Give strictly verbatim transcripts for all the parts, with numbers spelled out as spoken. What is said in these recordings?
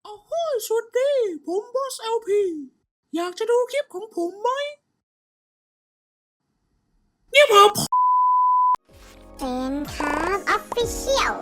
โอ้โหสวัสดีผมบอสเอลพีอยากจะดูคลิปของผมไหมเนี่ยผมเป็นครับออฟฟิเชียล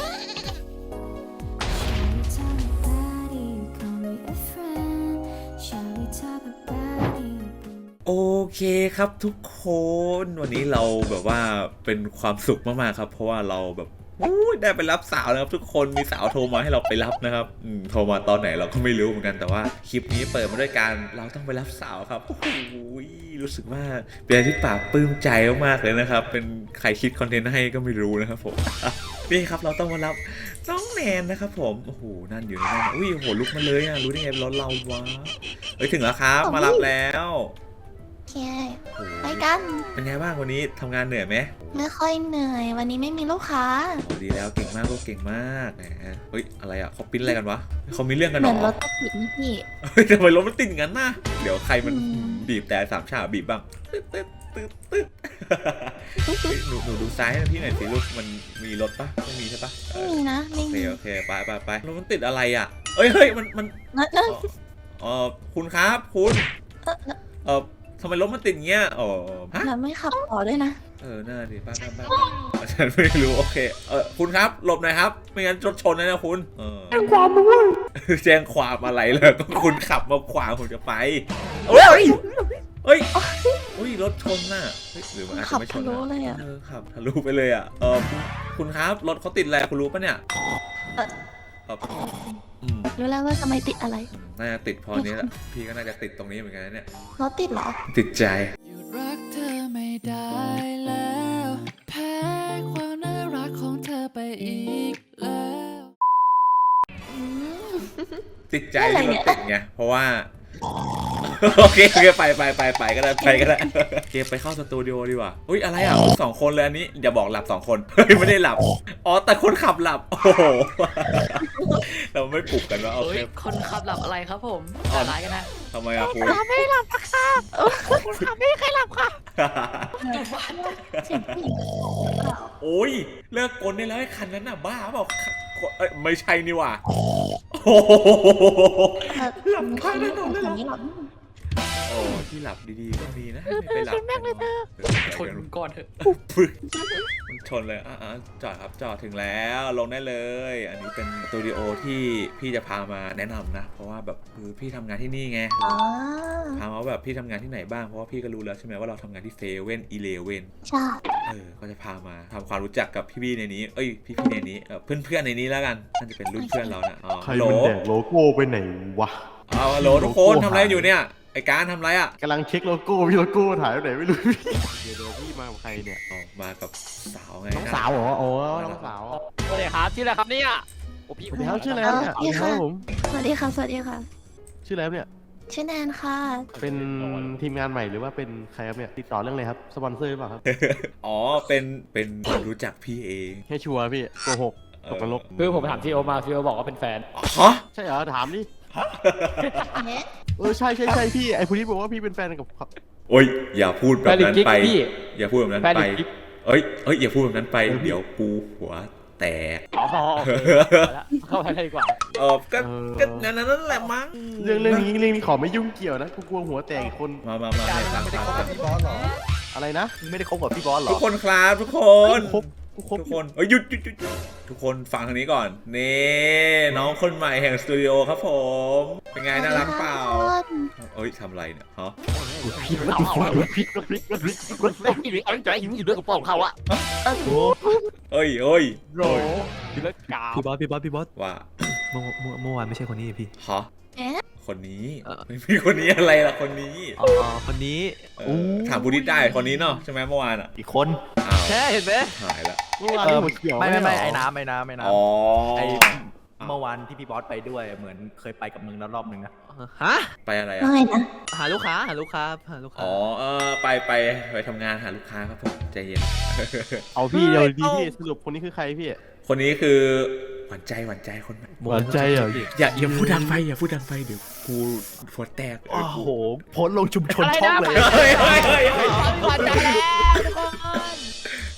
โอเคครับทุกคนวันนี้เราแบบว่าเป็นความสุขมากๆครับเพราะว่าเราแบบได้ไปรับสาวนะครับทุกคนมีสาวโทรมาให้เราไปรับนะครับอืมโทรมาตอนไหนเราก็ไม่รู้เหมือนกันแต่ว่าคลิปนี้เปิดมาด้วยการเราต้องไปรับสาวครับโอ้โหรู้สึกว่าเป็นอะไรที่ปลาบปลื้มใจมากๆเลยนะครับเป็นใครคิดคอนเทนต์ให้ก็ไม่รู้นะครับผมนี่ครับเราต้องมารับน้องแนนนะครับผมโอ้โหนั่นอยู่ในนั้นอุ้ยโอ้โหลุกมาเลยอ่ะรู้ได้ไงรถเราวะเฮ้ยถึงแล้วครับมารับแล้วโอเคไปกันเป็นไงบ้างวันนี้ทำงานเหนื่อยไหมไม่ค่อยเหนื่อยวันนี้ไม่มีลูกค้าโอ้ดีแล้วเก่งมากลูกเก่งมากแหมเฮ้ยอะไรอ่ะเขาปิ้นอะไรกันวะเขามีเรื่องกันเหหรมือนรอถติดนี่พี่เฮ้ยทำไมรถมันติดงั้นน่ะเดี๋ยวใครมันอืมบีบแต่สามฉาบบีบบ้างตึ๊ดตึ๊ดตึ๊ดตึ๊ดเฮ้ยหนูหนูดูซ้ายให้พี่หน่อยสิลูกมันมีรถปะไม่มีใช่ปะเอไม่อมีนะไม่โอเคมีโอเคไปไปไปรถมันติดอะไรอ่ะเอ้ยเฮ้ยมันมันเนอะเนอะเออคุณครับคุณเออเนอะเออทำไมรถมันติดเงี้ยอ๋อฮะแล้วไม่ขับต่อด้วยนะเออน่าดีป้าป้าป้าฉันไม่รู้โอเคเออคุณครับหลบหน่อยครับไม่งั้นรถชนนะนะคุณเออแจ้งความด้วยแจ้งความอะไรเลยก็คุณขับมาขวางผมจะไปเฮ้ยเฮ้ยอุ้ยรถชนน่ะเฮ้ยหรือมันอาจขัจะบไม่ชทะนลุนะเลยอ่ะเออขับทะลุไปเลยอ่ะเออคุณครับรถเขาติดอะไรคุณรู้ปะเนี่ยเออเอออืมรู้แล้วว่าทำไมติดอะไรน่าจะติดพอนี้แหละพี่ก็น่าจะติดตรงนี้เหมือนกันนะเนี่ยรถติดเหรอติดใจหยุดรักเธอไม่ได้แล้วแพ้ความน่ารักของเธอไปอีกแล้วอืมติดใจอะไรที่เนี่รถยติดไงเพราะว่าโอเคโอเคไปไปไปไปก็ได้ไปก็ได้โอเคไปเข้าสตูดิโอดีกว่าอุ้ยอะไรอ่ะสองคนเลยอันนี้อย่าบอกหลับสองคนเฮ้ยไม่ได้หลับอ๋อแต่คนขับหลับโอ้โหเราไม่ปลุกกันว่าโอเฮ้เคยคนขับหลับอะไรครับผมแต่ร้ายกันนะทำไมอ่ะคุณไม่หลับค่ะคุณขับไม่เคยหลับค่ะเสียงผู้หญิงโอ้ยเลิกกลได้แล้วไอ้คันนั้นน่ะบ้าเปล่าเอ้ยไม่ใช่นี่หว่าโอ้โห หลับคาถนนเลยเหรอไม่หลับโอ้ที่หลับดีๆก็มีนะไม่ไปหลับกันชนก่อนเถอะปึ๊กมันชนเลยอ่ะจอดครับจอดถึงแล้วลงได้เลย อันนี้เป็นสตูดิโอที่พี่จะพามาแนะนำนะ เพราะว่าแบบคือพี่ทำงานที่นี่ไงอ๋อถามว่าแบบพี่ทำงานที่ไหนบ้างเพราะว่าพี่ก็รู้แล้วใช่ไหมว่าเราทำงานที่เซเว่นอีเลเว่นใช่เออก็จะพามาทำความรู้จักกับพี่ๆในนี้เอ้ยพี่ๆในนี้เออเพื่อนๆในนี้แล้วกันน่าจะเป็นรุ่นเพื่อนเรานะอ๋อใครฮัลโหลมันแดกโลโก้ไปไหนวะเอาฮัลโหลทุกคนทำอะไรอยู่เนี่ยไอการทำอะไรอ่ะกำลังเช็คโลโก้พี่โลโก้ถ่ายไปไหนไม่รู้ เดี๋ยวเดี๋ยวพี่มากับใครเนี่ยอ๋อมากับสาวไงน้องสาวเหรอโอ้น้องสาวสวัสดีครับชื่ออะไรครับเนี่ยโอ้พี่สวัสดีครับชื่ออะไรครับเนี่ยสวัสดีครับผมสวัสดีค่ะ สวัสดีค่ะชื่ออะไรครับเนี่ยชื่อแนนค่ะเป็นทีมงานใหม่หรือว่าเป็นใครครับเนี่ยติดต่อเรื่องอะไรครับสปอนเซอร์หรือเปล่าครับอ๋อเป็นเป็นคนรู้จักพี่เองแค่ชัวร์พี่โกหกตกนรกคือผมถามซีโอมาซีโอบอกว่าเป็นแฟนฮะใช่เหรอถามดิเอ๊ะเออใช่ใช่ใช่พี่ไอ้ผู้นี้บอกว่าพี่เป็นแฟนกับเขาโอ้ยอย่าพูดแบบนั้นไปพี่อย่าพูดแบบนั้นแฟนไปอีกเอ้ยเอ้ยอย่าพูดแบบนั้นไปเดี๋ยวกูหัวแตกอ๋อโอเคแล้วเข้าไปเลยดีกว่าเออก็ก็นั้นนั่นแหละมั้งเรื่องเรื่องนี้เรื่องนี้ขอไม่ยุ่งเกี่ยวนะกูกลัวหัวแตกอีกคนมามามาให้ฟังฟังฟังอะไรนะไม่ได้คบกับพี่บอสเหรอทุกคนครับทุกคนคบกูคบทุกคนเอ้ยหยุดหยุดหยุดหยุดทุกคนฟังทางนี้ก่อนนี่น้องคนใหม่แห่งสตูดิโอครับผมเป็นไงน่ารักเปล่าเอ้ยทำอะไรเนี่ยฮะพี่รถรถพลิกรถพลิกรถพลิกรถพลิกพี่เอาใจหิวอยู่ด้วยกับปองเขาอะเอ้ยเอ้ยโรอยู่ด้วยกาพี่บอสพี่บอสพี่บอสว่าเมื่อเมื่อเมื่อวานไม่ใช่คนนี้พี่ฮะเอ๊ะคนนี้เออไม่มีคนนี้อะไรล่ะคนนี้อ๋อคนนี้เออถามบูดิสได้คนนี้เนาะใช่ไหมเมื่อวานอ่ะอีกคนอ้าวแค่เห็นไหมหายละเมื่อวานเออหัวเขียวไม่ไม่ไม่ใช่ไอ้เหรอน้ำไอ้น้ำไอ้น้อ๋อำไอ้เมื่อวานที่พี่บอสไปด้วยเหมือนเคยไปกับมึงแล้วรอบนึงนะฮะไปอะไรอ่ะว่าไงนะหาลูกค้าหาลูกค้าหาลูกค้าอ๋อเออไปไปไปทำงานหาลูกค้าครับผมใจเย็นเอาพี่เดี๋ยวดีพี่สรุปคนนี้คือใครพี่คนนี้คือหวานใจหวานใจคนใหม่หวานใจเหรออย่าอย่าพูดดังไปอย่าพูดดังไปเดี๋ยวกูหัวแตกโอ้โหโพสต์ลงชุมชนช่องเลยเฮ้ยเฮ้ยเฮ้ยเฮ้ยผ่านใจแล้วทุกคน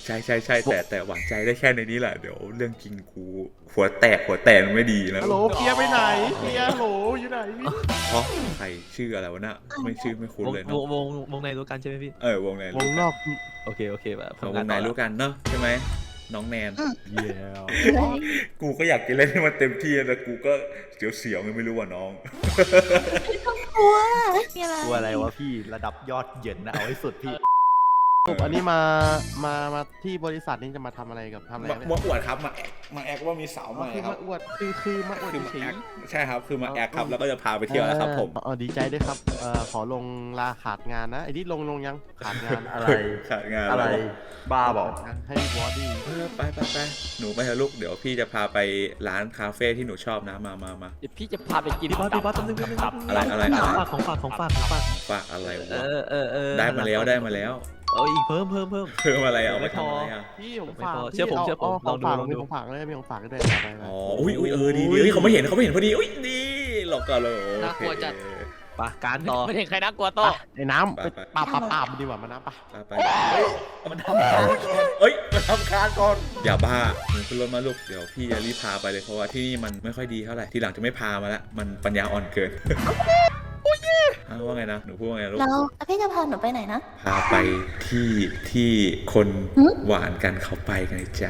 ใช่ใช่ใช่แต่แต่หวังใจได้แค่ในนี้แหละเดี๋ยวเรื่องจริงกูหัวแตกหัวแตกมันไม่ดีนะฮัลโหลเคลียร์ไปไหนเคลียร์ฮัลโหลอยู่ไหนพี่เพราะใครชื่ออะไรวะน่ะไม่ชื่อไม่คุ้นวงเลยว เนาะงวงวงในรู้กันใช่ไหมพี่เออวงในวงนอกโอเคโอเคแบบของวงในรู้กันเนาะใช่ไหมน้องแนนเยี่ยมเลยกูก็อยากจะเล่นให้มันเต็มที่แต่กูก็เสียวๆไงไม่รู้ว่าน้องกลัวมีอะไรตัวอะไรวะพี่ระดับยอดเหยินนะเอาให้สุดพี่สรุปอันนี้มามามาที่บริษัทนี้จะมาทำอะไรกับทำอะไรมาเนี่ยมาอวดครับมาแอกมาแอกว่ามีสาวใหม่คือครัมาบอวดคือคือมาอวดคือมาเฉแอย กใช่ครับคือมาแอกครับแล้วก็จะพาไปๆเที่ยวแล้วครับผมเออดีใจด้วยครับเอ่อขอลงลาขาดงานนะไอ้นี่ลงลงยังขาดงานอะไรขาดงานอะไรแล้วบ้าบอกให้บอสดี้เออไปไปไปหนูไปเถอะลูกเดี๋ยวพี่จะพาไปร้านคาเฟ่ที่หนูชอบนะมามามาเดี๋ยวพี่จะพาไปกินพี่บอสพี่บอสต้องนึงนึงตับอะไรอะไรของอะไรฝากของฝากของฝากของฝากฝากอะไรเอวะอเออเออได้มาแล้วได้มาแล้วเอออีกเพิ่มเพิ่มเพิ่มเพิ่มอะไรเอาไปทำอะไรอ่ะพี่ผมไม่ฝากพอพี่เชื่อผมเชื่อผมาาของฝากลองดูมีของฝากด้วยมีของฝากด้วยไปไปอ๋ออุ้ยอุ้ยเออดีดีเฮ้ยเขาไม่เห็นเขาไม่เห็นพอดีอุ้ยดีหลอกกันเลยน่ากลัวจัดปะการต่อไม่เห็นใครน่ากลัวโตไอ้น้ำไปปาบปาบปาบดีกว่ามาน้ำปะไปไปมันทำคานก่อนเอ้ยมันทำคานก่อนอย่าบ้าหนูขึ้นรถมาลูกเดี๋ยวพี่จะรีบพาไปเลยเพราะว่าที่นี่มันไม่ค่อยดีเท่าไหร่ทีหลังจะไม่พามาละมันปัญญาอ่อนเกินอ้าวว่าไงนะหนูพูดว่าไงลูกแล้วพี่จะพาหนูไปไหนนะพาไปที่ที่คนหึหวานกันเขาไปกันจ้ะ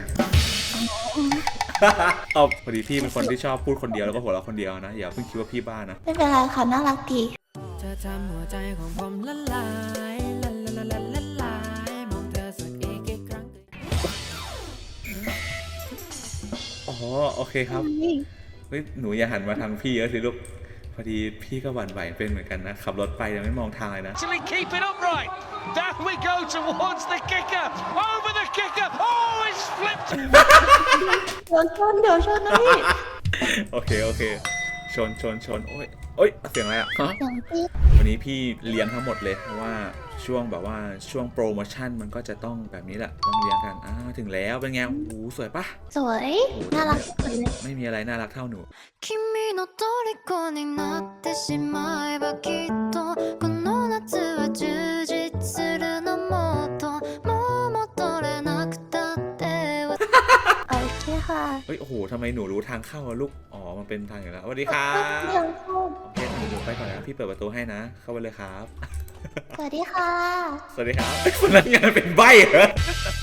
เอาพอดีพี่เป็นคนที่ชอบพูดคนเดียวแล้วก็หัวเราะคนเดียวนะอย่าเพิ่งคิดว่าพี่บ้านะไม่เป็นไรค่ะน่ารักดีเธอทำหัวใจของผมละลายละละละละละลายมองเธอสักอีกกี่ครั้งอ๋อโอเคครับเฮ้ยหนูอย่าหันมาทางพี่เยอะสิลูกพอดีพี่ก็หวั่นไหวเป็นเหมือนกันนะขับรถไปยังไม่มองทางเลยนะ Actually keep it upright. Down we go towards the kicker. Over the kicker. Oh, it's flipped. เดี๋ยวชนเดี๋ยวชนนะพี่โอเคโอเคชนชนชนโอ้ยโอ้ยเสียงอะไรอ่ะฮะเสียงปี๊ดวันนี้พี่เลี้ยงทั้งหมดเลยเพราะว่าช่วงแบบว่าช่วงโปรโมชั่นมันก็จะต้องแบบนี้แหละต้องเลี้ยงกันอ่าถึงแล้วเป็นไงโอ้โหสวยปะสวยน่ารักที่สุดเลยไม่มีอะไรน่ารักเท่าหนู君の虜になってしまえばきっとこの夏は充実するのもっともう戻れなくたってโอเคค่ะเฮ้ยโอ้โหทำไมหนูรู้ทางเข้าอะลูกอ๋อมันเป็นทางอยู่แล้วสวัสดีครับเดี๋ยวชนโอเคหนูหนูไปก่อนนะพี่เปิดประตูให้นะ เข้าไปเลยครับสวัสดีค่ะสวัสดีครับพนักงานเป็นใบ้เหรอ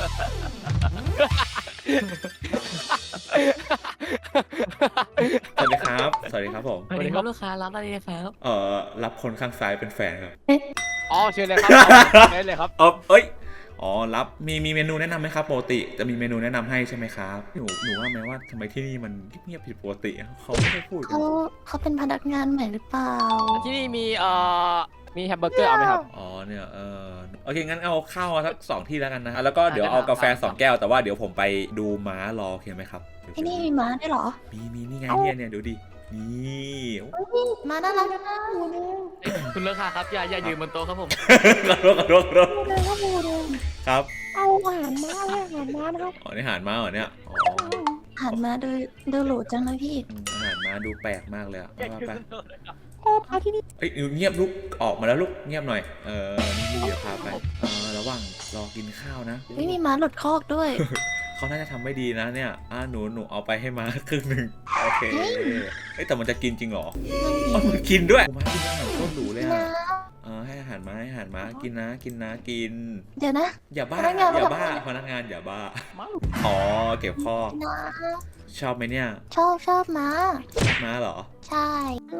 สวัสดีครับสวัสดีครับผมสวัสดีครับลูกค้ารับอะไรครับเอ่อรับคนข้างซ้ายเป็นแฟนครับอ๋อเชิญเลยครับเชิญเลยครับเออเอ้ย อ๋อ รับ มีมีเมนูแนะนำไหมครับ ปกติ จะมีเมนูแนะนำให้ใช่ไหมครับ หนู หนูว่าไหมว่าทำไมที่นี่มันเงียบผิดปกติอะเขาไม่ได้พูดกันเขาเขาเป็นพนักงานใหม่หรือเปล่าที่นี่มีเอ่อมีแฮมเบอร์เกอร์เอาไหมครับอ๋อ เนี่ย เออโอเค งั้นเอาข้าวมาสักสองที่แล้วกันนะ แล้วก็เดี๋ยวเอากาแฟสองแก้ว แต่ว่าเดี๋ยวผมไปดูม้ารอโอเคไหมครับที่นี่มีม้าด้วยเหรอมี มี นี่ไงเนี่ยเนี่ยดูดิ นี่โอ้ม้าน่ารักนะหมูเด้งคุณลูกค้าครับอย่าอย่ายืนบนโต๊ะครับผมขอโทษขอโทษขอโทษหมูเด้งก็หมูเด้งครับเอาอาหารม้าเลยอาหารม้านะครับอ๋อ นี่อาหารม้าเหรอเนี่ย อ๋ออาหารม้าดูดูหรูจังเลยพี่อืมอาหารม้าดูแปลกมากเลยอะว่าไปโอ้พาที่นี่เอ้ยเงียบลูกออกมาแล้วลูกเงียบหน่อย เออ นี่เดี๋ยวพาไปเออระหว่างรอกินข้าวนะไม่มีม้าหลุดคอกด้วยเขาน่าจะทำไม่ดีนะเนี่ยอ่าหนูหนูเอาไปให้มาครึ่งหนึ่งโอเคเอ้ยแต่มันจะกินจริงเหรอนั่นดีอ๋อมันกินด้วยมากินอาหารโคตรหรูเลยนะอ่ะเออให้อาหารม้าให้อาหารม้ากินนะกินนะกินเดี๋ยวนะอย่าบ้าพนักงานอย่าบ้าไม่ทำพนักงานอย่าบ้าอ๋อเก็บข้อนะชอบไหมเนี่ยชอบชอบม้าชอบม้าเหรอใช่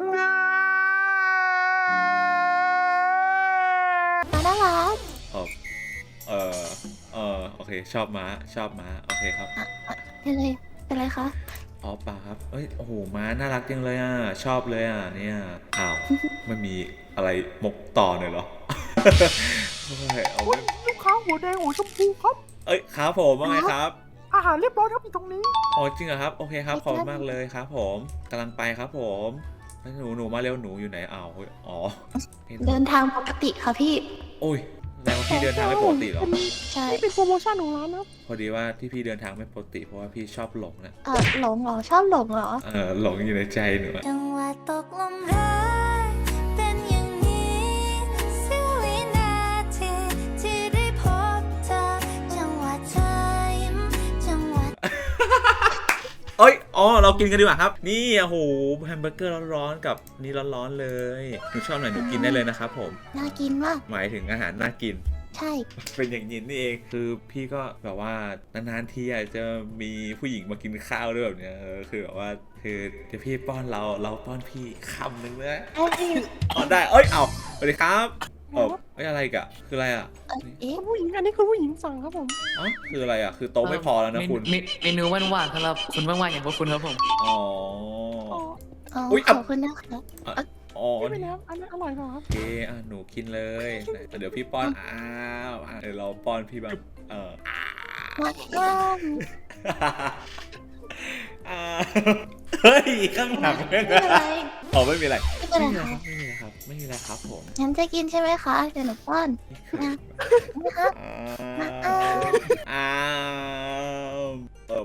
ม้าน่ารักเออเออเออโอเค ชอบม้าชอบม้าโอเคครับเป็นไรเป็นไรคะอ๋อป่าครับเอ้ย โอ้โห ม้าน่ารักจังเลยอ่ะ ชอบเลยอ่ะ เนี่ย อ้าว มันมีอะไรมกต่อหน่อยเหรอ โอ้ยเอาไว้ลูกค้าหัวแดงหัวชมพูครับเอ้ย ครับผมว่าไงครับอาหารเรียบร้อยครับอยู่ตรงนี้อ๋อ จริงเหรอครับ โอเคครับ ขอบคุณมากเลยครับผมกำลังไปครับผมแล้วหนู หนูมาเร็ว หนูอยู่ไหน อ้าวเฮ้ยอ๋อเดินทางปกติค่ะพี่โอ้ยแล้วาพี่เดินทางไม่ปกติเหรอใช่เป็นโปรโมชั่นของร้านนะพอดีว่าที่พี่เดินทางไม่ปกติเพราะว่าพี่ชอบหลงนะเออหลงเหรอชอบหลงเหรอเออหลงอยู่ในใจหนูอะจังหวะตกลมรักเป็นอย่างนี้เสี้ยววินาทีที่ได้พบเธอจังหวะเธอเอ้ยอ๋อเรากินกันดีกว่าครับ นี่โอ้โหแฮมเบอร์เกอร์ร้อนๆกับนี่ร้อนๆเลยหนูชอบไหนหนูกินได้เลยนะครับผมน่ากินมากหมายถึงอาหารน่ากินใช่เป็นอย่างนี้นี่เองคือพี่ก็แบบว่านานๆทีอาจจะมีผู้หญิงมากินข้าวด้วยแบบเนี้ยเออคือแบบว่าคือเดี๋ยวพี่ป้อนเราเราป้อนพี่คำหนึ่งเลยเอ้ยอ๋อได้เอ้ยเอาสวัสดีครับเออไม่อะไรกะคืออะไรอ่ะเอ๊ะผู้หญิงอันนี้คือผู้หญิงสั่งครับผมอ๋อคืออะไรอ่ะคือโต๊ะไม่พอแล้วนะคุณเมนูเมนูว่างๆครับคุณว่างๆอย่างพวกคุณครับผมอ๋ออ๋ออุ๊ยขอ่ะอบคุณนะคะอ๋อไม่เป็นแล้วอันนั้นอร่อยกว่าครับโอเคอ่ะหนูกินเลยไหนเดี๋ยวพี่ป้อนอ้าวอ่ะเดี๋ยวเราป้อนพี่แบบเออมาก้อนอ่าเฮ้ยข้างหลังไม่ไม่เป็นไรอ๋อไม่มีอะไรไม่เป็นไรไม่มีอะไรค่ะครับไม่มีอะไรครับไม่มีอะไรครับผมงั้นจะกินใช่ไหมคะเดี๋ยวหนูป้อนนี่คือนะนะคะอ้าวอ้าวเออ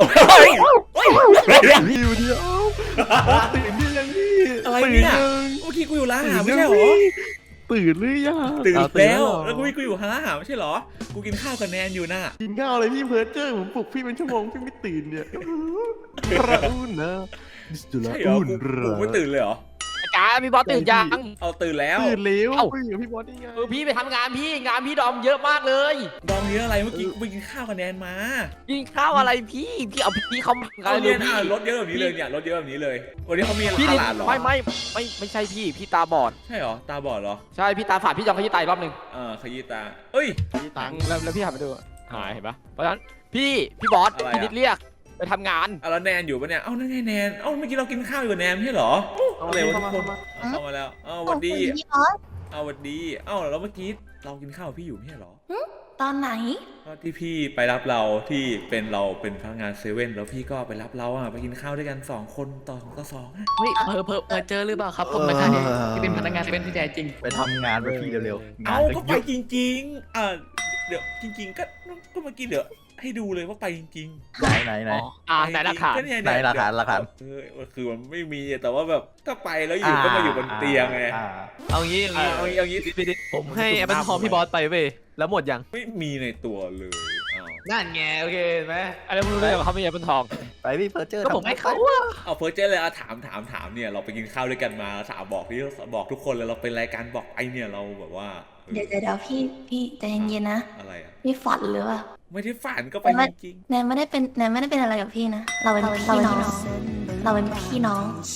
พี่อยู่เดียวตื่นหรือยังพี่อะไรตื่นเนี่ยยังเมื่อกี้กูอยู่ร้านอาหารตื่ไม่นใช่เหรอตื่นหรือยังตื่นอ้าแล้วเหรอแล้วกูกูอยู่ร้านอาหารไม่ใช่เหรอกูกินข้าวกับแนนอยู่น่ะกินข้าวอะไรพี่เพิร์เจอร์ผมปลุกพี่เป็นชั่วโมงพี่ไม่ตื่นเนี่ยระอุ่นนะดิสจุลาใช่เหรออุ่นกูเหรกูอไม่ตื่นเลยเหรออาจารย์พี่บอสตื่นยังเอาตื่นแล้วตื่นเร็วเอ้าคุยกับพี่บอสได้ไงเออพี่ไปทำงานพี่งานพี่ดอมเยอะมากเลยดองเยอะอะไรเมื่อกี้กูไปกินข้าวกับแนนมากินข้าวอะไรพี่พี่เอาพี่เขามาเอาเลเรียยนพี่อ่ะรถเยอะแบบนี้เลยเนี่ยรถเยอะแบบนี้เลยวันนี้เขามีพี่ตดิลาดเหรอไม่ไม่ไม่ไม่ใช่พี่พี่ตาบอดใช่เหรอตาบอดเหรอใช่พี่ตาฝาดพี่จองขยี้ตายรอบหนึ่งเออขยี้ตาเอ้ยพี่ตังค์แล้วแล้วพี่หันมาดูหายเห็นปะเพราะฉะนั้นพี่พี่บอสอะไรอะพี่นิดเรียกไปทำงานเอาแล้วแนนอยู่ปะเนี่ย เอ้านั่นไงแนน เอ้าเมื่อกี้เรากินข้าวอยู่กับแนนไม่ใช่เหรออะไรวะทุกคนเอาเข้ามาแล้ว เอ้าสวัสดีขอบคุณพี่บอสเอาสวัสดี เอ้าแล้วเมื่อกี้เรากินข้าวกับพี่อยู่ไม่ใช่เหรอตอนไหนก็ที่พี่ไปรับเราที่เป็นเราเป็นพนักงานเซเว่นแล้วพี่ก็ไปรับเราอ่ะไปกินข้าวด้วยกันสองคนต่อสองต่อสองอะเฮ้ยเพอเพอเพอเจอหรือเปล่าครับผมนะคะที่ที่เป็นพนักงานที่เป็นที่แท้จริงไปทำงานไปพี่เร็วๆงาเอ้านจะก็ไปเยอะจริงๆ อ่าเดี๋ยวจริง ๆ ก็ก็เมื่อกี้เดี๋ยวให้ดูเลยว่าไปจริงๆไหนไหนไหนอ๋ออ่าไหนหลักฐานก็เยไหนหลักฐานหลักฐานเออคือมันไม่มีแต่ว่าแบบถ้าไปแล้วอยู่ก็มาอยู่บนเตียงไงอ่าเอางี้เอาเอางี้เอางี้เอางี้ผมให้แอปเปิลทองพี่บอสไปเว้ยแล้วหมดยังไม่มีในตัวเลยอ้าวนั่นไงโอเคเห็นไหมอะไรไม่รู้เลยว่าเขาไม่แอปเปิลทองไปพี่เพิร์เจอร์ก็ผมให้เขาเอาเฟิร์สเจเลยอะถามถามถามเนี่ยเราไปกินข้าวด้วยกันมาถามบอกที่บอกทุกคนเลยเราเป็นรายการบอกไอเนี่ยเราแบบว่าเออเดี๋ยวเดี๋ยวเดี๋ยวพี่พี่ใจเย็นๆนะอะไรอ่ะพี่ฝันหรือเปล่าไม่ได้ฝันก็ไปจริงแนนไม่ได้เป็นแนนไม่ได้เป็นอะไรกับพี่นะ เราเป็นพี่น้อง เราเป็นพี่น้อง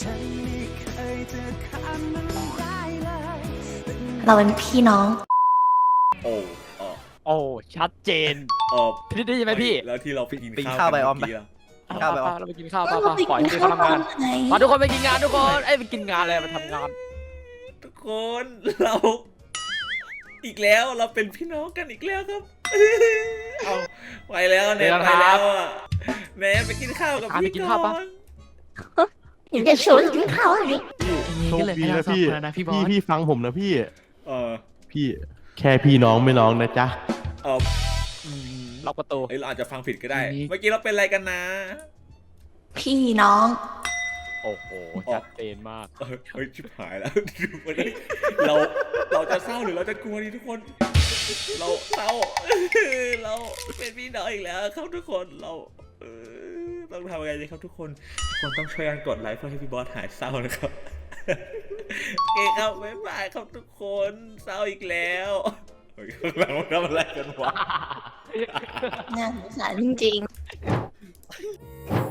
เราเป็นพี่น้องๆโอ้เออโอ้ชัดเจนเออพี่ได้ยินไหมพี่แล้วที่เราไปกินไปกินข้าวข้าวไปกันออมเมื่ไปกี้อะข้าวไปออมเราไปกินข้าวป่ะเราไปปล่อยกินให้ข้าเขาวทำตองานนไหนมาทุกคนไปกินงานทุกคนเอ้ยไปกินงานเลยมาทำงานทุกคนเราอีกแล้วเราเป็นพี่น้องกันอีกแล้วครับ เอาไปแล้วแนนไปแล้วอะแนนไปกินข้าวกับพี่ก่อนอยู่จะชวนกินข้าวอะไรโชคดีนะพี่นะพี่บอพี่สพี่ฟังผมนะพี่เออพี่แค่พี่น้องไม่น้องนะจ๊ะเออล็อกประตูเอ้ยเราอาจจะฟังผิดก็ได้นี่เมื่อกี้เราเป็นอะไรกันนะพี่น้องโอ้โหชัดเจนมากเออเฮ้ยชิบหายแล้ว วันนี้เราเราจะเศร้าหรือเราจะกลัวดีทุกคน เราเศร้า เราเป็นพี่น้องอีกแล้วครับทุกคนเราเออต้องทำยังไงดีครับทุกคนทุกคนต้องช่วยกันกดไลค์เพื่อให้พี่บอสหายเศร้านะครับ โอเคครับบ๊ายบายครับทุกคนเศร้าอีกแล้วเฮ้ยข้างหลังมันทำอะไรกันวะน่าสงสารจริงๆ